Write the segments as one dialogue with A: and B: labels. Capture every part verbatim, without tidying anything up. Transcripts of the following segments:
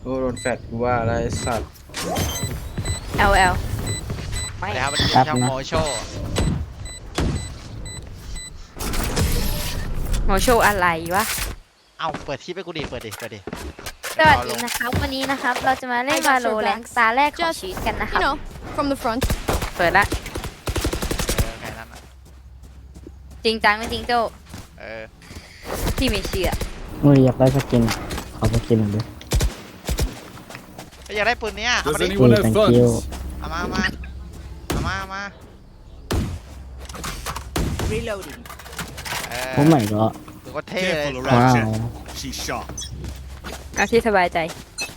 A: โอ้โดนแฟดกูว่าอะไรสัตว์
B: แอลแอลไม่
C: แล้วมัน
D: ครับ
C: ช่อง
D: นะ
C: โมโช
B: โมโชอะไรวะ
C: เอาเปิดที่ไปกูดิเปิดดิเปิดดิ
B: สวัสดีนะครับวันนี้นะครับเราจะมาเล่นวาโลแรงตาแรกของชีวิตกันนะครับ
E: You know, from the front.
B: เปิดละ
C: เออแค่นั้นอะ
B: จริงจังไม่จริงโจ้
C: เออ
B: พี่ไม่เชื่อ
D: อุ้ยอยากได้สกินขอสกินหน่อยดิ
C: อยากได้ปืนเนี้ยเอา
F: Does
C: มาดิ
F: anyone have
D: thank
F: funds?
D: you
C: เอามาเอามาเอามาเอามา
E: Reloading.
C: เออ
D: โอ้ไม่ก็
C: ถือว่าเท่เลย
F: Careful
D: ว้า
F: around
D: ว
F: Jet. She's sharp.
B: เอาที่สบายใจ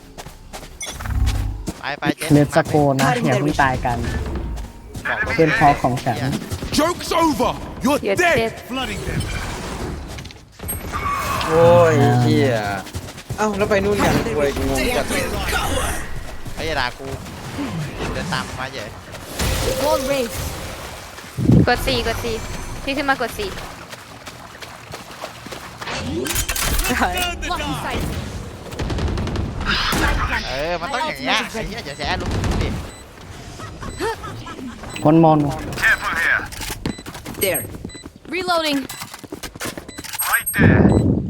C: ไปไปเจ๊
D: เนสโกนะอย่าเพิ่งตายกัน
C: บอก
D: เป็นพอของฉัน
F: Joke's over. You're
B: You're
F: dead.
B: dead.
F: Flooding them.
A: โอ้ยเฮียเอ้าแล้วไปนู่นกันกูเลยงงจัดเลย
C: ไอ้ยาด่ากูเดินตามมาเฉย
E: Wall raised.
B: กดสี่กดสี่พี่ขึ้นมากดสี่
E: Blocking sight.
C: เออมันต้องอย่างเงี้ยไอ้เหี้ยอย่าแฉลุกดิ
D: คนมอน
F: There.
E: Reloading.
F: Right there.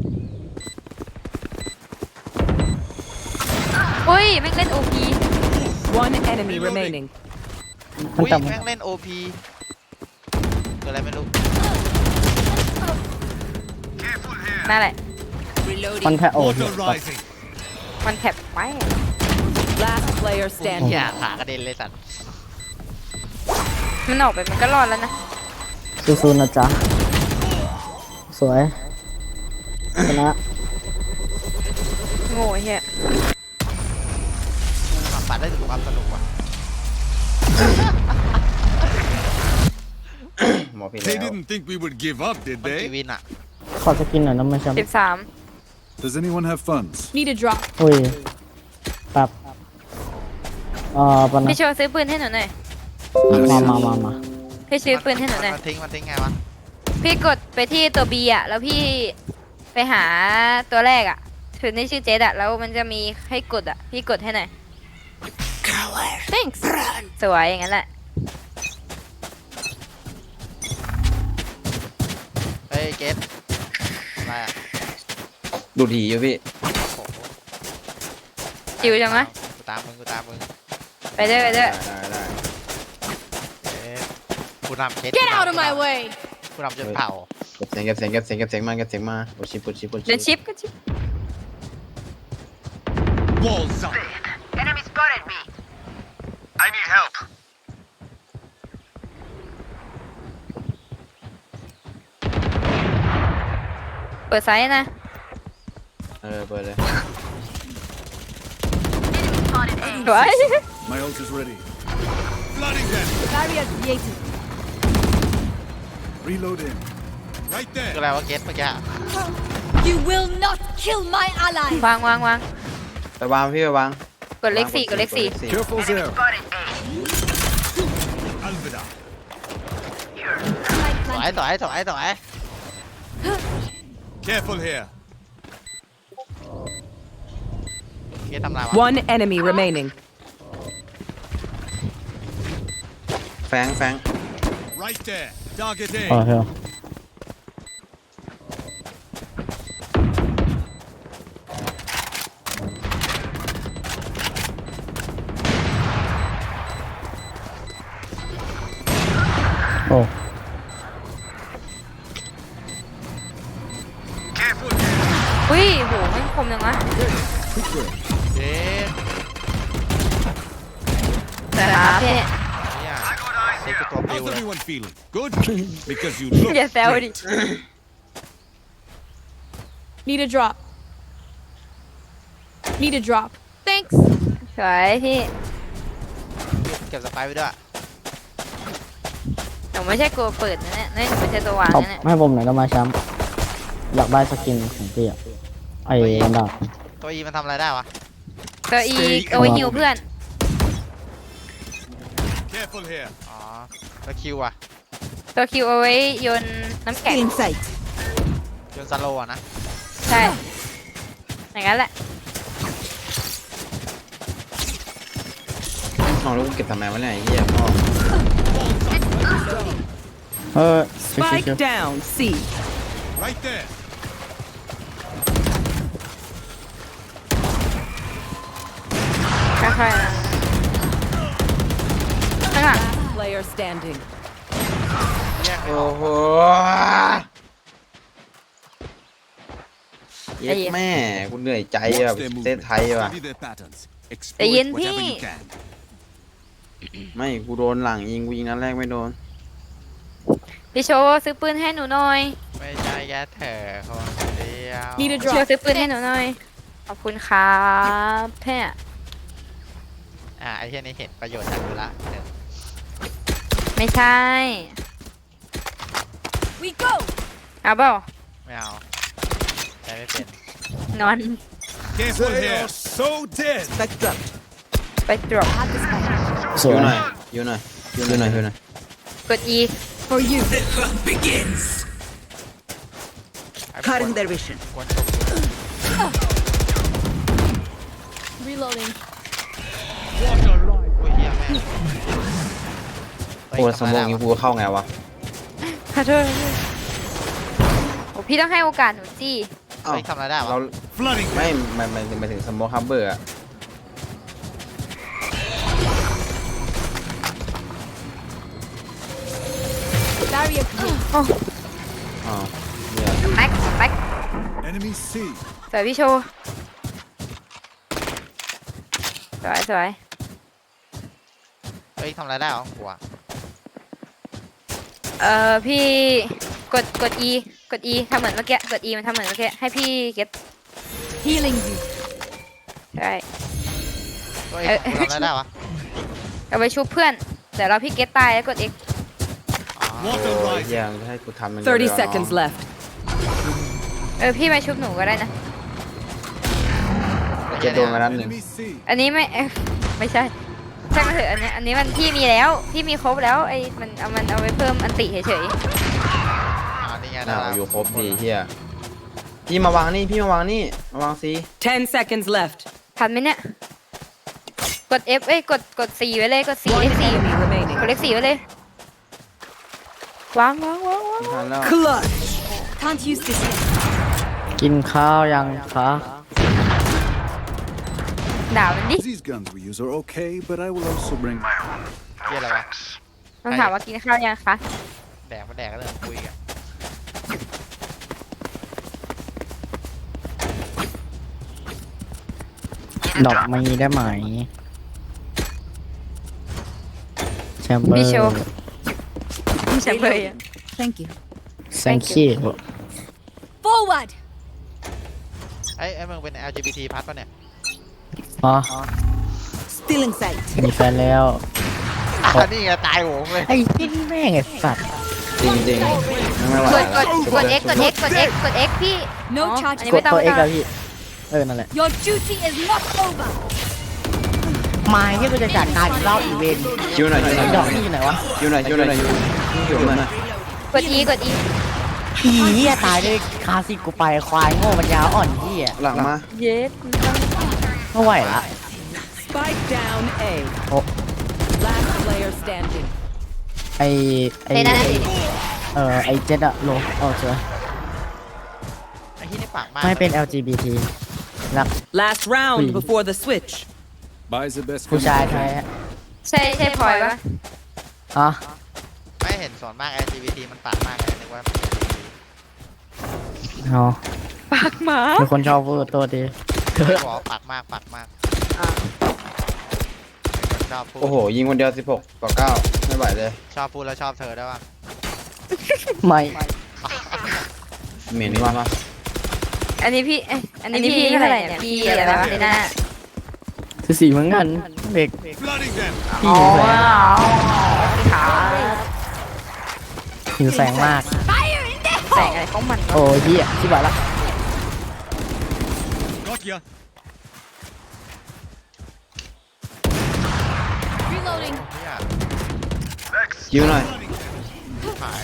B: อุ้ยแม่งเล่นโอพี
G: One enemy remaining.
D: มัน
C: อุ้ย
D: จ
C: แม่งเล่นโอพีคืออะไรไม่รู้
B: นั่นแหละ
D: ำมันแค่โอ้
F: Water rising.
B: มันแท็บไว้
G: Last player
C: เหี้ย
G: standing.
C: ขากระเด็นเลยสัตว์
B: มันออกไปมันก็รอดแล้วนะ
D: สู้ๆนะจ๊ะ สวยชนะ
B: โง่เฮีย
C: สัมผัสได้ถึงความสนุกว่ะ
A: หมอพี่
F: They
A: แล้ว
F: didn't think we would give up, did
C: มันกี
F: they?
C: วินอะ
D: ขอสกินหน่อยนะไม่ใช่
B: สิบสาม
F: Does anyone have funds?
E: Need a drop.
D: อุ้ยปับเอ่อปะนะ
B: พี่โชว์ซื้อปืนให้หนูหน่อย
D: มามามามา
B: พี่ซื้อปืนให้หนูหน่อย
C: มันทิ้งมันทิ้งไงวะ
B: พี่กดไปที่ตัว B อ่ะ แล้วพี่ไปหาตัวแรกอ่ะถือในชื่อเจดอ่ะ แล้วมันจะมีให้กดอ่ะ พี่กดให้หน่อย
E: Thanks.
B: สวยอย่างนั้นแหละ
C: เฮ้ยเกตอะไรอะ
A: ดูดหีอยู่พี่
C: โอ้โห
B: จิวจังวะ
C: กูตามมึงกูตามมึง
B: ไปด้วยไปด้วย
A: ได้ได้ได้
C: เอ๊ะกูนำเกต
E: Get out of my way.
C: กูนำจนเผา
A: เก็บเสียงเก็บเสียงเก็บเสียงเก็บเสียงมาเก็บเสียงมาโอชิปโอชิปโอ
B: เดิน
A: ชิป
B: ชิปก็ชิป
F: Walls up.
H: Enemy spotted me.
F: I need help.
B: เปิดไซส์นะ
A: เออเปิดเลย
B: สวย
F: My ult is ready. Flooding them.
E: Barrier created.
F: Reloading. Right
C: คือ
F: there.
C: อะไรวะเกตเมื่อกี้
E: You will not kill my ally.
B: วางวางวาง
A: ไปวางพี่ไปวาง
B: กดเลขสี่กดเลขสี่
F: Careful there.
H: Spotted A.
F: Alvida.
C: ถอยถอยถอยถอย
F: Careful here.
C: เกตทำอะไรวะ
G: One enemy remaining.
A: แฟงแฟง
F: Right there. Target
D: โอ
F: A.
D: เค โอ้
F: Careful here.
B: อุ้ยโหไม่คมจังวะ
C: เกต
B: แต่ครับพี่
C: เนี่ยนี่คือตัวปิว
F: How's
C: เลย
F: everyone feeling? Good? Because you look
B: อย่าแซวดิ
F: great.
E: Need a drop. Need a drop. Thanks.
B: สวยพี่
C: เก็บสไปร์ไว้ด้วย
B: หนูไม่ใช่กลัวเปิดนะเนี่ยนี่หนูไม่ใช่ตัววาง
D: ตบ
B: นะเนี่ย
D: ให้ผมหน่อยนะมาแชมป์อยากได้สกินของพี่อะไอ้อันดับ
C: ตัวอีมันทำอะไรได้วะ
B: ตัวอีเอาไว้หิวเพื่อน
F: Careful here.
C: อ๋อแล้วคิวอะ
B: ตัวคิวเอาไว้โยนน้ำแข็ง
E: sight.
C: โยนซาโลอะนะ
B: ใช่ อย่างนั้นแหละ
A: เอาแล้วกูเก็บทำไมวะเนี่ยไอ้เหี้ยพ่อ
D: เออชิว
G: Spike
D: ชิว
G: down. C.
F: Right there.
B: ค่อยๆนะข้างหลัง
G: Player standing.
C: แยกไม่อ
A: โอ้
C: อก
A: โหเย็ดแม่กูเหนื่อยใจแบบ
F: Watch their
A: เซต
F: movement.
A: ไทยว่ะ
F: Study their patterns.
B: ใจเย็น
F: Exploit
B: พี่
F: whatever you can.
A: ไม่กูโดนหลังยิงกูยิงนัดแรกไม่โดน
B: พี่โชว์ซื้อปืนให้หนูหน่อย
C: ไม่ใช่แย่เถอะคนเดียว
E: Need a
B: พี่โชว์
E: drop.
B: ซื้อปืนให้หนูหน่อย ขอบคุณครับแพ่
C: อ่ะไอ้เหี้ยนี่เห็นประโยชน์จากกูละหนึ่ง
B: ไม่ใช่
E: We go.
B: เอาเปล่า
C: ไม่เอาใช้ไม่เป็น
B: นอน
F: Careful here. So dead.
B: ไปตรวจ
D: ๆส
A: อ
D: วย
A: ยู่หน่อยอยู่หน่อยอยู่หน่อยอยู่หน่อย
B: กด E
E: For you.
C: ไอ้ควรควรตกตัว
E: Reloading.
C: อุ้ยเหี้ยแม่ง
A: โอ้สมองยิงกูเข้าไงวะ
B: ขอโทษโอ้พี่ต้องให้โอกาสหนูจี้
A: เอ้า
C: เฮ้ยทำอะไรได้วะ
A: เรา
F: Flooding.
A: ไม่ไม่ไม่ไม่ถึงสมองฮับเบอร์อะ
E: Barrier clear.
A: อ๋อเนี่ย
B: แบ็คแบ็ค
F: Enemy C.
B: สวยพี่โชว์สวยสวย
C: เฮ้ยทำอะไรได้วะกูอะ
B: เอ่อพี่กดกด E กด E ทำเหมือนเมื่อกี้กด E มันทำเหมือนเมื่อกี้ให้พี่เก็ต
E: Healing you.
B: ใช่
C: เฮ้ย
B: เอ้ย
C: กูทำอะไรได้วะ
B: เอาไปชุบเพื่อนเดี๋ยวเราพี่เก็ตตายแล้วกด X
C: อ๋อ
F: Water
A: โอ้ย
F: right.
A: เหี้ยังให้กูทำมัน
G: thirty seconds left.
B: เออพี่มาชุบหนูก็ได้นะ
A: เก็บโดนมานัดหนึ่ง
F: Enemy C.
B: อันนี้ไม่เอ้ยไม่ใช่ช่างมันเถอะอันนี้อันนี้มันพี่มีแล้วพี่มีครบแล้วไอ้มันเอามันเอาไว้เพิ่มอันติเฉย
C: อ๋อนี่ไง
A: น่า
C: ได้
A: อยู่ครบดีเฮียพี่มาวางนี่พี่มาวางนี่มาวางซี
G: Ten seconds left.
B: ๆทันไหมเนี่ยกด F เอ้ยกดกดสี่ไว้เลยกดสี่
G: One
B: เลขสี่
G: enemy
B: ก
G: remaining.
B: ดเลขสี่ไว้เลยวางวางวางวาง
A: ไม่ทันแล้ว
G: Clutch.
E: Can't use this yet.
D: กินข้าวยังคะ
B: ด่ามันดิ
F: These guns we use are okay, but I will also bring my own.
C: เหี้ยอะไรวะ
B: ต้องถามว่ากินข้าวยังคะ
C: แดกมาแดกก็เริ่มคุยกัน
D: ดอกมีได้ไหมแชมเบอ
B: พี่
D: ร์
B: โชว์พี่แชมเบอร์อะ
E: Thank you.
D: แซงคี
E: Forward.
C: ไอ้ไอ้มึงเป็น แอล จี บี ที พัดปะเนี่ย
D: อ๋อ
E: Still in sight.
D: มีแฟนแล้ว
C: อ่ะนี่ไงตายโหงเลย
D: ไอ้ที่แม่งไอ้สัตว์
A: จริงจริงๆไม่ไหว
B: กดก
A: แล้ว
B: ดกด X กด X กด X กด X พี่
E: No
B: อ๋อ
E: charge
B: อันนี้
D: ก
B: ไม่
D: ด
B: ต้อง
D: ตัว
B: ไม่
D: เอ็ก
B: ต้อง
D: อะพี่ เออ นั่นแหละ
E: Your duty is not over.
D: มาที่กูจะจัดการอีกรอบอีเวนต์
A: คิวหน่อยคิวหน่อย
D: ดอกนี่อยู่ไหนวะ
A: คิวหน่อยคิวหน่อยคิวคิวหน่อย
B: กด E กด E
D: ผีเหี้ยตายด้วยคาสิกูไปควายโง่ปัญญาอ่อนเหี้ย
A: หลังมา
B: เย็ด
D: ไม่ไหวละ
G: Spike down A.
D: Oh.
G: Last player standing.
D: ไอไอ
B: เฮ้ยนั่นน่ะ
D: เออไอเจ็ดอะโลโอเค
C: ไอ้ที่นี่ปากมาก
D: ไม่เป็น แอล จี บี ที รัก
G: Last round
D: Please.
G: before the switch.
F: Buys the best.
D: ผู้ชายแท้
B: ใช่ใช่พลอยปะ
D: อ๋อ
C: ไม่เห็นส่วนมาก แอล จี บี ที มันปากมากเลยนึกว่า
D: อ๋อ
B: ปากหมา
D: มีคนชอบพูดตัวดี
C: ไม่บอกว่าปากมากปากมากเป็นคนชอบพูด
A: โอ้โหยิงคนเดียวสิบหกต่อเก้าไม่ไหวเลย
C: ชอบพูดแล้วชอบเธอได้วยวะ
D: ไม่
A: เหม็นมาก
B: อันนี้พี่เอ้ยอันนี้พี่เท่าไหร่เนี่ยพี่อะไรวะเดน่า
D: คือสีเหมือนกันเด็ก
F: Flooding them.
D: พี่หิวแสง
B: ขา
D: หิวแสงมาก
E: Fire in the
B: แสงอะไรของมัน
D: โอ้ยเหี้ยที่บ้านละ
F: Got ya.
E: Reloading.
C: เนี่ย
A: คิวหน่อย
C: หาย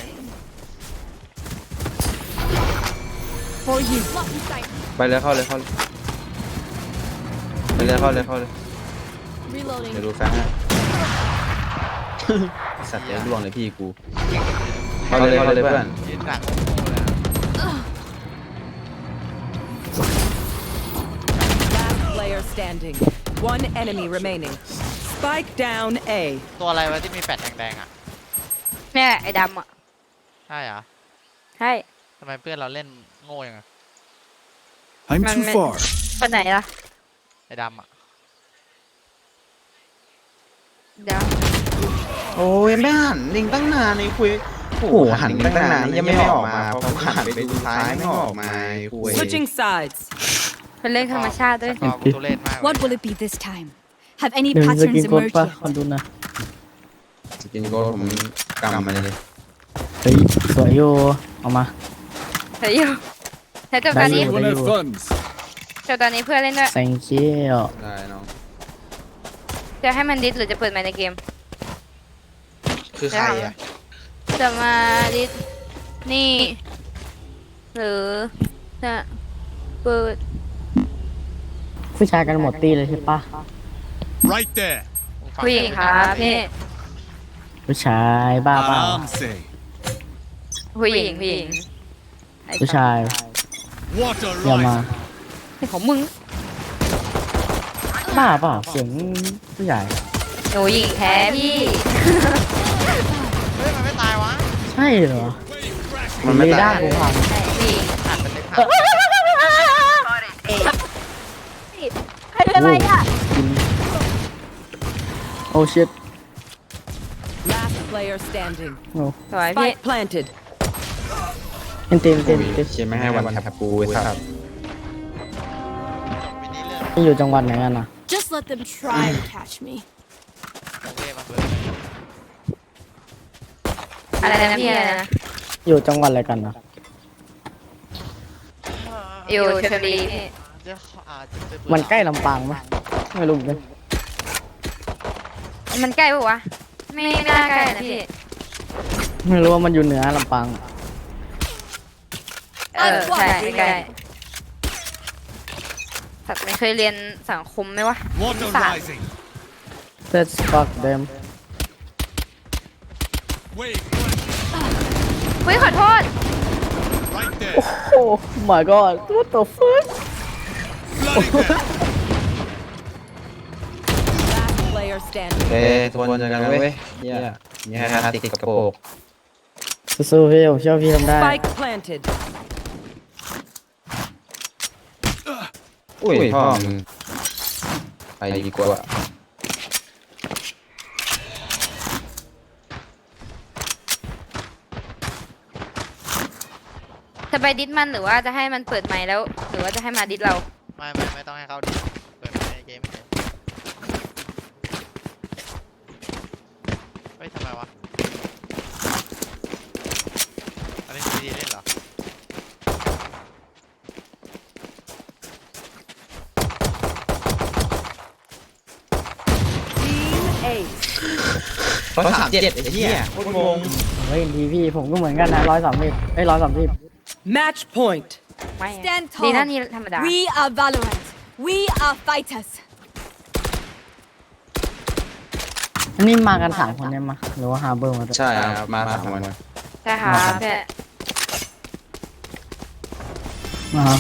E: For you. Block in sight.
A: ไปเลยเข้าเลยเข้าเลยไปเลยเข้าเลยเข้าเลย
E: Reloading.
A: เดี๋ยวดูแฟนให้สัตว์เลี้ยงดวงเลยพี่กูเขาเลยเขาเลยเพื่อน
C: ยืนหลังโง่เลยอะ
G: Last player standing. One enemy remaining. Spike down A.
C: ตัวอะไรวะที่มีแปดแดงๆอ่ะ
B: เนี่ยไอ้ดำอ่ะ
C: ใช่เหรอ
B: ใช่
C: ทำไมเพื่อนเราเล่นโง่ยังไง
F: I'm
B: Man,
F: too
B: man.
F: far.
B: คนไหนล่ะ
C: ไอ้ดำอ่ะ
B: เดี๋ยว
A: โอ้ยไม่หันลิงตั้งนานนี่คุยโอ้โหหันลิงตั้งนานยังไม่ออกมาพอกูหันไปดูท้ายไม่ออกมาคุย
G: Switching sides.
B: เป็นเรื่องธรรมชาติด้วย
C: พอกูตัวเล่นมากเลย
E: What will it be this time? Have any
D: เดี๋ยวจะกิน
E: patterns
D: โคตร
E: emerged
D: ป่ะ
E: yet?
D: คนดูนะ
A: สกินโกผมกำมาเลย
D: เฮ้ยสวยอยู่เอามา
B: เฮ้ยอยู่แต่จบตอนนี้
D: ได้อยู่
F: Everyone have funds.
B: จบตอนนี้เพื่อนเล่นด้วย
D: thank you
A: ได้น้อง
B: จะให้มันดิสหรือจะเปิดไมค์ในเกม
A: คือใครอ่ะ
B: จะมาดิสนี่ หรือจะเปิด
D: ผู้ชายกันหมดตีเลยใช่ปะ
F: Right there.
C: ฟั
B: ผู้หญิงครับพี่
D: ผู้ชายบ้าเปล่า
F: I'm safe.
B: ผู้หญิงผู้หญิงไอ้
D: ผู้ชาย
F: Water
D: อย่ามา
F: rising.
B: ของมึง
D: บ้าเปล่าเสียงผู้ใหญ่
B: หนูหญิงแท้พี่
C: เฮ้ยมันไม่ตายวะ
D: ใช่เหรอ
A: มันไม่
D: เร
A: ตา
D: ด้าย กูพัง
B: ผู้หญิง
C: หันเป็นเล็กหัน
B: ใครเป็นอะไรอ่ะ
D: โอ้ชิต
G: Last player standing.
D: โอ้
B: สวยพี่
G: Spike planted.
D: เต็มเต็มเต็มเต็ม
A: เชียร์ไม่ให้วันแทบปูไว้ครับ
C: จบวินนี้เรื่อง
D: นี่อยู่จังหวัดไหนกันนะ
E: Just let them try to catch me.
C: โอเคมาเปิด
B: อะไรนะพี่อะไรนะ
D: อยู่จังหวัดอะไรกันนะ
B: อยู่ชลบุรีพี่
C: เดี๋ยวอาจจะเปิด
D: มันใกล้ลำปางไหมไม่รู้เหมือนกัน
B: มันใกล้ปะวะ ไม่น่าใกล้นะพี่
D: ไม่รู้ว่ามันอยู่เหนือลำปาง
B: เออใช่ไม่ใกล้สัตว์ไม่เคยเรียนสังคมไหมวะ
F: Water
B: Fine.
F: rising.
D: let's fuck them
F: Wave
B: เฮ้ยขอโทษ
F: right there.
D: โอ้ my god what the fuck
F: Bloody hell.
G: Last player standing.
A: เอ้ทวนเจอกันนะเว้ยเนี่ยนี่ฮะติดกระโปง
D: สู้ๆพี่ผมเชื่อพี่ทำได้
G: Spike planted.
A: อุ้ยพ่อมึงไปดีกว่า
B: จะไปดิสมันหรือว่าจะให้มันเปิดไมค์แล้ว หรือว่าจะให้มาดิสเรา
C: ไม่ไม่ไม่ต้องให้เขาดิเปิดในเกมเฉยเฮ้ยทำไมวะอันนี้ซีดีเล่นเหรอ
G: Team A.
A: ร้อยสามเจ็ดไอ้เหี้ยโคตรงง
D: เฮ้ยทีพี่ผมก็เหมือนกันนะร้อยสามสิบเอ้ยร้อยสามสิบ
G: Match point.
B: ไม่
E: Stand
B: ดีนะ
E: tall.
B: นี่ธรรมดา
E: We are Valorant. We are fighters.
D: อันนี้มากันสามคนเนี่ยมาหรือว่าฮาร์เบอร์มาด้วย
A: ใช่ครับมาสามวัน
B: ใช่ค่ะพี่
D: อ่าฮะ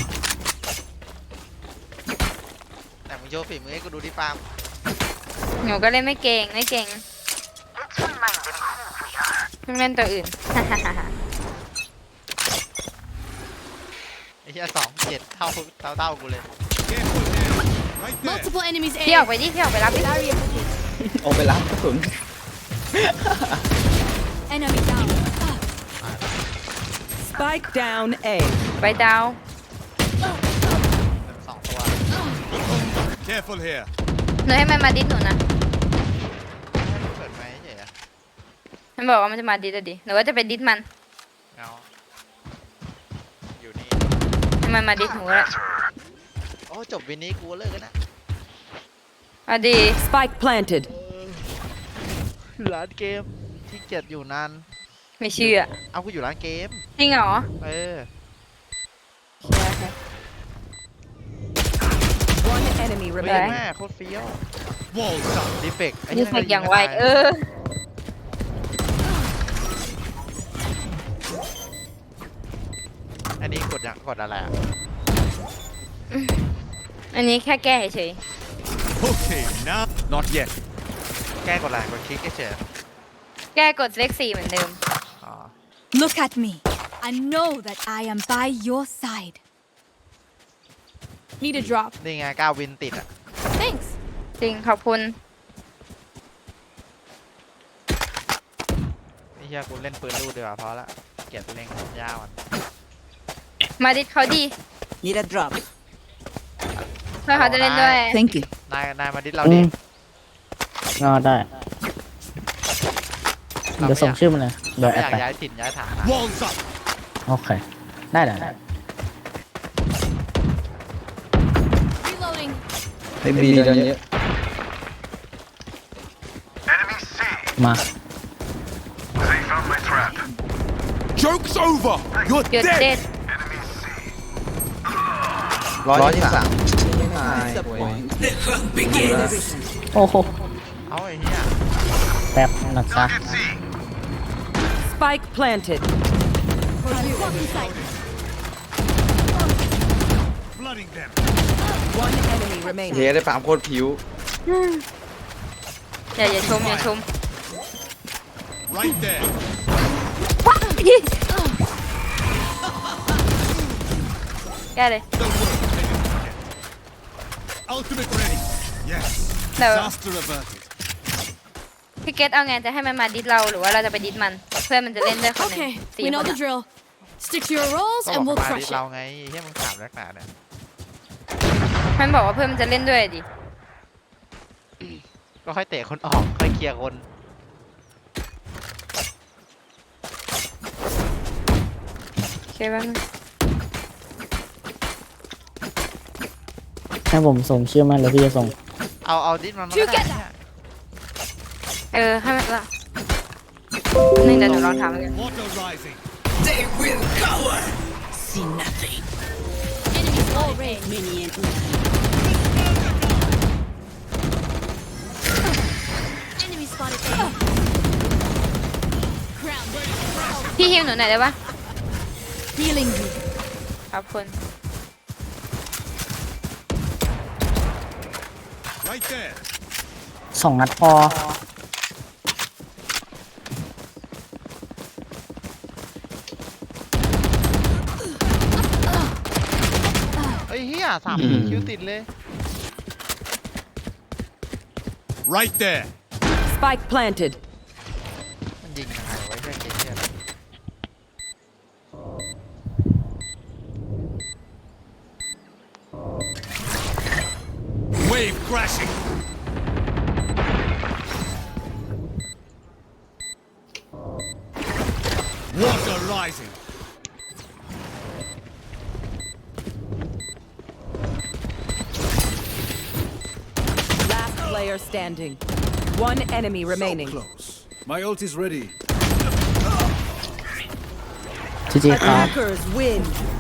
C: แต่มึงโชว์ฝีมือให้กูดูดิฟาร์ม
B: หนูก็เล่นไม่เก่งไม่เก่งเพิ่งเล่นตัวอื่น
C: ไอ้เหี้ยสองเจ็ดเท่าเท่าเท่ากูเลย
F: Careful there. Right there.
E: Multiple enemies
B: พี่ออก
E: A.
B: ไปดิพี่ออกไปรับดิ
E: Barrier.
A: ออกไปรับกระสุน
E: Enemy down.
G: Spike down A.
B: ไปดาว
C: สองตัว
F: Careful here.
B: หนูให้มันมาดิสหนูนะ
C: เปิดไหมเฉยอะ
B: มันบอกว่ามันจะมาดิสอะดิหนูว่าจะไปดิสมัน
C: เงาอยู่นี่
B: ให้มันมาดิสหนูแหละ
C: โอ้จบวินนี้กูเลิกกันนะ
B: เอาดี
G: Spike planted.
C: ร้านเกมที่เกียจอยู่นาน
B: ไม่เชื่อ
C: เอากูอยู่ร้านเกม
B: จริงเหรอ
C: เออ
G: One enemy
C: เฮ้ย
G: remaining.
C: แม่โคตรเฟี้ยว
F: Walls up.
C: ดีเฟกต์ไอ้
B: นี่
C: เหี้ย
B: เฟกอย่างไวเออ
C: ยังกดอะไรอ่ะ
B: อันนี้แค่แก้เฉย
F: Okay, now. Not yet.
C: แก้กดอะไรกดคลิกเฉย
B: ๆแก้กดเลขสี่เหมือนเดิม
C: ๆอ๋อ
E: Look at me and know that I am by your side. Need a drop.
C: นี่ไงก้าววินติดอ่ะ
E: Thanks.
B: จริงขอบคุณ
C: นี่เฮียกูเล่นปืนลูกดีกว่าเพราะละเกลียดตัวเองยาวมัน
B: มาดิดเขาดี
G: Need a drop.
B: เพื่อเขาจะเล่นด้วย
G: Thank you.
C: นายนายมาดิสเรา
D: อื
C: ดิ
D: มงอได้เดี๋ยวส่งชื่อมาเลยโดย
C: ไม่
D: แอ
C: อ
D: ด
C: ยาก
D: ไป
C: ย้ายถิ่นย้ายฐานนะ
F: Walls up.
D: โอเค ได้ได้ได้
E: Reloading.
A: ไอ้บีเดินเยอะ
D: มา
F: Joke's over. You're
B: หยุด
F: dead.
B: เด็ด
A: ร้อยยี่สิบสามไม่ตายโว้ย
D: โอ้โห
C: เอาไอ้เฮีย
D: แป๊บนะจ๊ะ
G: Spike planted.
F: Flooding them.
G: One enemy
A: เฮ้
G: remaining.
A: ยได้ปามโคตรผิว
B: อย่าอย่าชมอย่าชม
F: Right there.
B: แก้เลย
F: Don't worry. Ultimate ready. Yes.
B: No.
F: Disaster averted.
B: พี่เกตเอาไงจะให้มันมาดิดเราหรือว่าเราจะไปดิดมัน เพื่อนมันจะเล่นด้วยคนหนึ่ง
E: Okay,
B: สี่
E: we
B: ค
E: know
B: น
E: the
B: อะ
E: drill. Stick to your roles
C: ก็บ
E: and
C: อก
E: we'll
C: มาดิ
E: crush
C: สเรา
E: it.
C: ไงเฮียมึงถามนักหนาเนี่ย
B: มันบอกว่าเพื่อนมันจะเล่นด้วยดิ
C: ก็ค่อยเตะคนออกค่อยเคลียร์คน
B: โอเคบ้าง
D: ให้ผมส่งชื่อมาแล้วพี่จะส่ง
C: เอาเอาดิสมันมาก็ได้เนี่ย
B: เออให้มันละหนึ่งเดี๋ยวหนูลองทำกัน
F: Water rising.
E: Enemies all raised. Enemy spotted A. Crown.
B: พี่ฮิวหนูหน่อยได้ปะ
E: Healing you.
B: ขอบคุณ
F: Right there.
D: สองนัดพอ
C: เฮ้ยเฮียสามคิวติดเลย
F: Right there.
G: Spike planted.
C: มันยิงยังไงไว้เพื่อนเกมเฮีย
F: Wave crashing. Water rising.
G: Last player standing. One enemy remaining.
F: Close. My ult is ready.
D: จีจีครับ
G: Attackers win.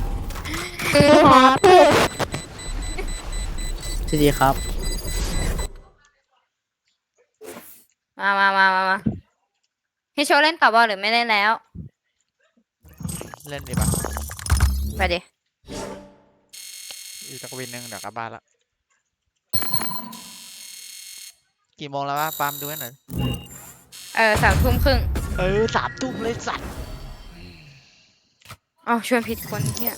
D: จีจีครับ
B: มามามามามาพี่โชว์เล่นต่อบอลหรือไม่เล่นแล้ว
C: เล่นดีปะ
B: ไปดิ
C: อีกสักวินหนึ่งเดี๋ยวกลับบ้านละกี่โมงแล้ววะปาล์มดูให้หน่อย
B: เออสามทุ่มครึ่ง
C: เออสามทุ่มเลยสัตว์
B: อ๋อชวนผิดคนเฮีย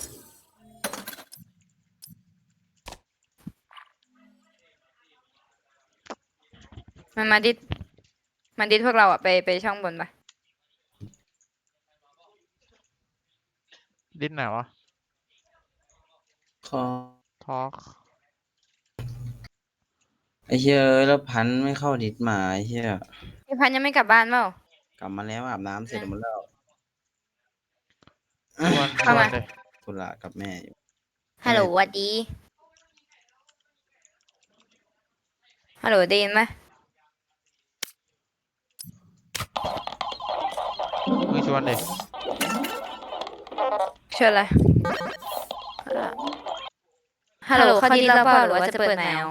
B: มันมาดิดมันดิดพวกเราอะไปไปช่องบนปะ
C: ดิ้นไหนวะ
A: ขอ
C: ทอล์ก
A: ไอ้เหี้ยเอ้ยแล้วพันธุ์ไม่เข้าดิสมาไอ้เหี้ย
B: พี่พันธุ์ยังไม่กลับบ้านเปล่าก
A: ลับมาแล้วอาบน้ำเสร็จหมดแล้ว
C: ชวนชวนเลย
A: ธุระกับแม่อยู่
B: ฮัลโหลหวัดดีฮัลโหลได้ยินไหม
C: มึงชวนเลย
B: ชวนอะไรฮัลโหลเขาดิดแล้วเปล่าหรือว่าจะเปิดแมว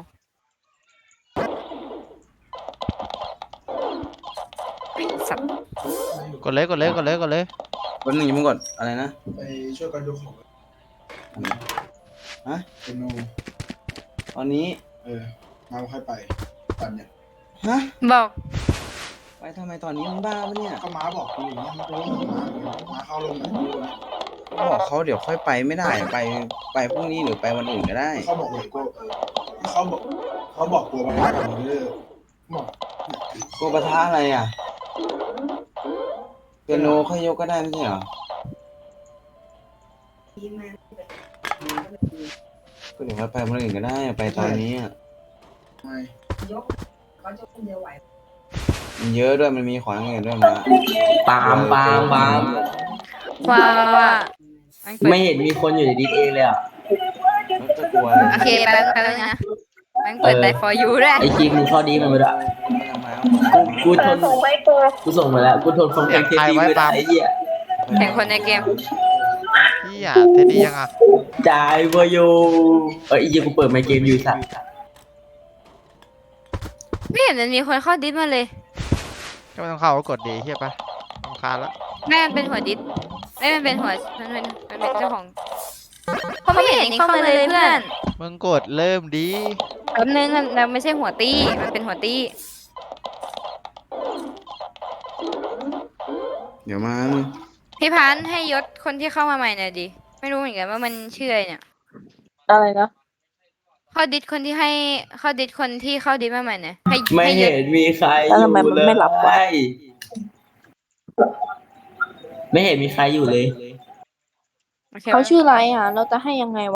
B: สัตว์
C: กดเลยกดเลยกดเลยกดเลย
A: วันหนึ่งอยังมึงกดอะไรนะ
H: ไปช่วยกันยกของ
A: ฮะ
H: เป็นโน
A: ตอนนี้
H: เออมาค่อยไปตันเนี่ย
A: ฮะ
B: บอก
A: ไปทำไมตอนนี้มึงบ้าปะเนี่ย
H: ก็ม้าบอกกูอยู่นะมันรู้ม้าม้าเข้าลงไหนกูนะ
A: บอกเขาเดี๋ยวค่อยไปไม่ได้ไปไปพรุ่งนี้หรือไปวันอื่นก็ได้
H: เขาบอกเลยกูเออเขาบอกเขาบอกตัวมันว่ากับมึงเลยบอก
A: กลัวปะทะอะไรอ่ะเปียโนค่อยยกก็ได้ไม่ใช่เหรอก็เดี๋ยวค่อยไปวันอื่นก็ได้ไปตอนนี้อะ
H: ทำไม
A: มันเยอะด้วยมันมีของอย่างอื่นด้วยมา
I: ปาล์มปาล์มปาล์ม
B: ว่าว่าอันเปิด
I: ไม่เห็นมีคนอยู่ในดิสเองเลยอ่ะ
A: แล้วจะกลัวอะไร
B: โอเคแป๊บแป๊บนึงนะมันเปิดแต่ for you ด้วย
I: ไอจีมึงเข้อดีมันไปด้วย
A: ไม่ทำไม
I: กูทนกูส่งไปแล้วกูทนฟังเพลงเทปนี้ไม่ได้ไอ้เหี้ย
B: แข่งคนในเกม
C: พี่อ่ะเทดดี้ยังอ่ะ
I: จ่ายเวอร์ยูเออไอ้เหี้ยกูเปิดไมค์เกมอยู่สัตว์
B: ไม่เห็นมันมีคนเข้าดิสมาเลย
C: ก็ไม่ต้องเข้าก็กดดีเฮียปะรำคาญแล้ว
B: แม่มันเป็นหัวดิสเอ้ยมันเป็นหัวมันเป็นมันเป็นเจ้าของเขาไม่เห็นเข้ามาเลยเพื่อน
C: มึงกดเริ่มดี
B: แป๊บนึงมันเราไม่ใช่หัวตี้มันเป็นหัวตี้
A: เดี๋ยวมามึง
B: พี่พันธุ์ให้ยศคนที่เข้ามาใหม่หน่อยดิไม่รู้เหมือนกันว่ามันชื่ออะไรเนี่ย
J: อะไรนะ
B: เข้าดิสคนที่ให้เข้าดิสคนที่เข้าดิสมาใหม่หน่อยให้
I: ไม่
B: ให้ย
I: เห็
B: ศ
I: นมีใครอ
J: แล้วทำ
I: ยู่
J: ไมมัน
I: เลย
J: ไม่รับวะ
I: ไม่เห็นมีใครอยู่เลย
B: โอเค
J: เขา
B: ปะ
J: ชื่ออะไรอ่ะ เราจะให้ยังไงวะ